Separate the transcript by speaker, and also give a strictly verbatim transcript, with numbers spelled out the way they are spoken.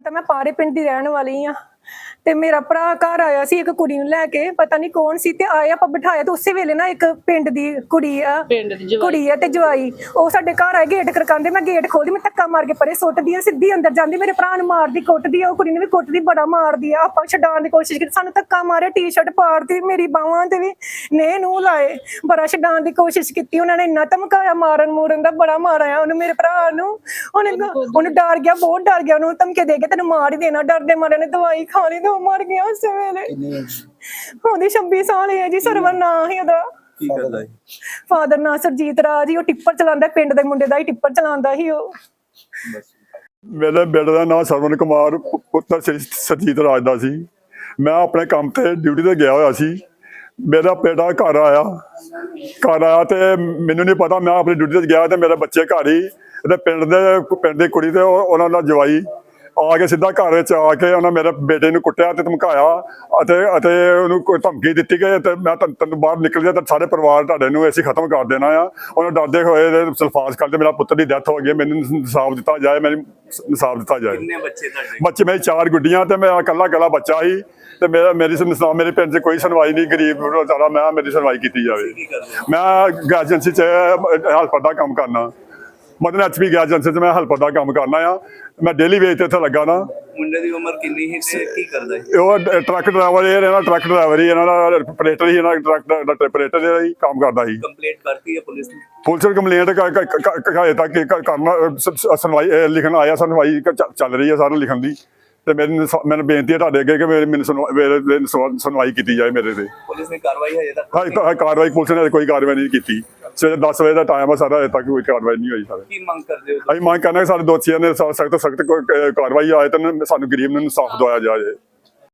Speaker 1: ਪਤਾ मैं पारे पिंड दी रहन वाली हाँ ते मेरा भरा घर आया सी एक कुड़ी नूं लैके पता नहीं कौन सी ते आए आपां बिठाया ते उसे वेले ना एक पिंड दी कुड़ी आ कुड़ी है ते जवाई ओ साडे घर आए गेट खड़कांदे मैं गेट खोलदी मैं धक्का मार के परे सुੱਟਦੀ आ सिद्धी अंदर जांदी मेरे भरा नूं मारदी कुੱਟਦੀ आ ओ कुड़ी नूं भी कुੱਟਦੀ बड़ा मारदी आ आपां छडाण दी कोशिश कीती सानूं धक्का मारे टी शर्ट पाड़दी मेरी बाहां ते भी ने नूं लाए बड़ा छडाण दी कोशिश कीती उन्हां ने इन्ना धमकाया मारन मूरन दा बड़ा मारिਆ ਉਹਨੂੰ ਮੇਰੇ ਭਰਾ ਨੂੰ ਉਹਨੇ ਉਹਨੂੰ ਡਰ ਗਿਆ ਬਹੁਤ ਡਰ ਗਿਆ ਉਹਨੂੰ ਧਮਕੇ ਦੇ ਕੇ ਤੈਨੂੰ ਮਾਰ ਹੀ ਦੇਣਾ ਡਰਦੇ ਮਾਰੇ ਨੇ ਦਵਾਈ ਖਾ ਲਈ ਤੇ मर गया उस वेले ਉਹਦੀ ਛੱਬੀ ਸਾਲ ਹੈ ਜੀ ਸਰਵਰ ਨਾਂ ਹੀ ਉਹਦਾ ਫਾਦਰ ਨਾਂ ਸਰਜੀਤ ਰਾਜ ਹੀ ਉਹ ਟਿੱਪਰ ਚਲਾਉਂਦਾ ਪਿੰਡ ਦੇ ਮੁੰਡੇ ਦਾ ਹੀ ਟਿੱਪਰ ਚਲਾਉਂਦਾ ਸੀ ਉਹ
Speaker 2: ਮੇਰੇ ਬੇਟੇ ਦਾ ਨਾਂ ਸਰਵਨ ਕੁਮਾਰ ਪੁੱਤਰ ਸਰਜੀਤ ਰਾਜ ਦਾ ਸੀ ਮੈਂ ਆਪਣੇ ਕੰਮ ਤੇ ਡਿਊਟੀ ਤੇ ਗਿਆ ਹੋਇਆ ਸੀ ਮੇਰਾ ਬੇਟਾ ਘਰ ਆਇਆ ਘਰ ਆਇਆ ਤੇ ਮੈਨੂੰ ਨਹੀਂ ਪਤਾ ਮੈਂ ਆਪਣੀ ਡਿਊਟੀ ਤੇ ਗਿਆ ਤੇ ਮੇਰੇ ਬੱਚੇ ਘਰ ਹੀ ਤੇ ਪਿੰਡ ਦੇ ਪਿੰਡ ਦੀ ਕੁੜੀ ਤੇ ਉਹਨਾਂ ਦਾ ਜਵਾਈ ਆ ਕੇ ਸਿੱਧਾ ਘਰ ਵਿੱਚ ਆ ਕੇ ਉਹਨਾਂ ਮੇਰੇ ਬੇਟੇ ਨੂੰ ਕੁੱਟਿਆ ਤੇ ਧਮਕਾਇਆ ਅਤੇ ਅਤੇ ਉਹਨੂੰ ਕੋਈ ਧਮਕੀ ਦਿੱਤੀ ਕਿ ਤੇ ਮੈਂ ਤੈਨੂੰ ਬਾਹਰ ਨਿਕਲ ਜਾ ਤਾਂ ਸਾਰੇ ਪਰਿਵਾਰ ਤੁਹਾਡੇ ਨੂੰ ਅਸੀਂ ਖਤਮ ਕਰ ਦੇਣਾ ਆ ਉਹਨਾਂ ਡਰਦੇ ਹੋਏ ਸਲਫਾਸ ਕਰਦੇ ਮੇਰਾ ਪੁੱਤਰ ਦੀ ਡੈਥ ਹੋ ਗਈ ਮੈਨੂੰ ਇਨਸਾਫ ਦਿੱਤਾ ਜਾਏ ਮੈਨੂੰ ਇਨਸਾਫ ਦਿੱਤਾ ਜਾਏ ਕਿੰਨੇ ਬੱਚੇ ਤੁਹਾਡੇ ਬੱਚੇ ਮੇਰੇ ਚਾਰ ਗੁੱਡੀਆਂ ਤੇ ਮੇਰਾ ਇਕੱਲਾ ਇਕੱਲਾ ਬੱਚਾ ਸੀ ਤੇ ਮੇਰਾ ਮੇਰੀ ਸੁਣਵਾ ਮੇਰੇ ਪਿੰਡ 'ਚ ਕੋਈ ਸੁਣਵਾਈ ਨਹੀਂ ਗਰੀਬ ਵਿਚਾਰਾ ਮੈਂ ਮੇਰੀ ਸੁਣਵਾਈ ਕੀਤੀ ਜਾਵੇ ਮੈਂ ਗੈਸ ਏਜੰਸੀ 'ਚ ਹੈਲਪਰ ਦਾ ਕੰਮ ਕਰਨਾ ਮਤਲਬ ਐਚ ਪੀ ਗੈਸ ਏਜੰਸੀ 'ਚ ਮੈਂ ਹੈਲਪਰ ਦਾ ਕੰਮ ਕਰਨਾ ਆ ਮੈਂ ਡੇਲੀ ਵੇਜ ਤੇ ਇੱਥੇ ਲੱਗਾ ਨਾ
Speaker 3: ਮੁੰਡੇ ਦੀ ਉਮਰ ਕਿੰਨੀ ਹੈ ਕੀ ਕਰਦਾ ਹੈ
Speaker 2: ਉਹ ਟਰੱਕ ਡਰਾਈਵਰ ਇਹ ਇਹਨਾਂ ਟਰੱਕ ਡਰਾਈਵਰ ਹੀ ਇਹਨਾਂ ਦਾ ਆਪਰੇਟਰ ਹੀ ਇਹਨਾਂ ਟਰੱਕ ਦਾ ਆਪਰੇਟਰ ਜਿਹੜਾ ਹੀ ਕੰਮ ਕਰਦਾ ਸੀ
Speaker 3: ਕੰਪਲੇਂਟ ਕਰਤੀ ਹੈ ਪੁਲਿਸ ਨੇ
Speaker 2: ਪੁਲਿਸ ਨੇ ਕੰਪਲੇਂਟ ਹਜੇ ਤੱਕ ਕਰਨਾ ਸੁਣਵਾਈ ਲਿਖਣ ਆਇਆ ਸੁਣਵਾਈ ਚੱਲ ਰਹੀ ਹੈ ਸਾਰਾ ਲਿਖਣ ਦੀ ਤੇ ਮੈਨੂੰ ਮੈਨੂੰ ਬੇਨਤੀ ਹੈ ਤੁਹਾਡੇ ਅੱਗੇ ਕਿ ਮੈਨੂੰ ਸੁਣਵਾਈ ਕੀਤੀ ਜਾਏ ਮੇਰੇ ਤੇ
Speaker 3: ਪੁਲਿਸ ਨੇ ਕਾਰਵਾਈ ਹਜੇ ਤੱਕ
Speaker 2: ਹਾਂ ਕਾਰਵਾਈ ਪੁਲਿਸ ਨੇ ਕੋਈ ਕਾਰਵਾਈ ਨਹੀਂ ਕੀਤੀ ਸਵੇਰੇ ਦਸ ਵਜੇ ਦਾ ਟਾਈਮ ਆ ਸਾਰਾ ਹਜੇ ਤੱਕ ਕੋਈ ਕਾਰਵਾਈ ਨਹੀਂ ਹੋਈ ਸਾਰੇ
Speaker 3: ਕੀ ਮੰਗ ਕਰਦੇ ਹੋ
Speaker 2: ਅਸੀਂ ਮੰਗ ਕਰਨਾ ਕਿ ਸਾਡੇ ਦੋਸ਼ੀਆਂ ਨੇ ਸਖਤ ਸਖਤ ਕਾਰਵਾਈ ਆਏ ਤਾਂ ਸਾਨੂੰ ਗਰੀਬ ਨੂੰ ਇਨਸਾਫ ਦਵਾਇਆ ਜਾਏ।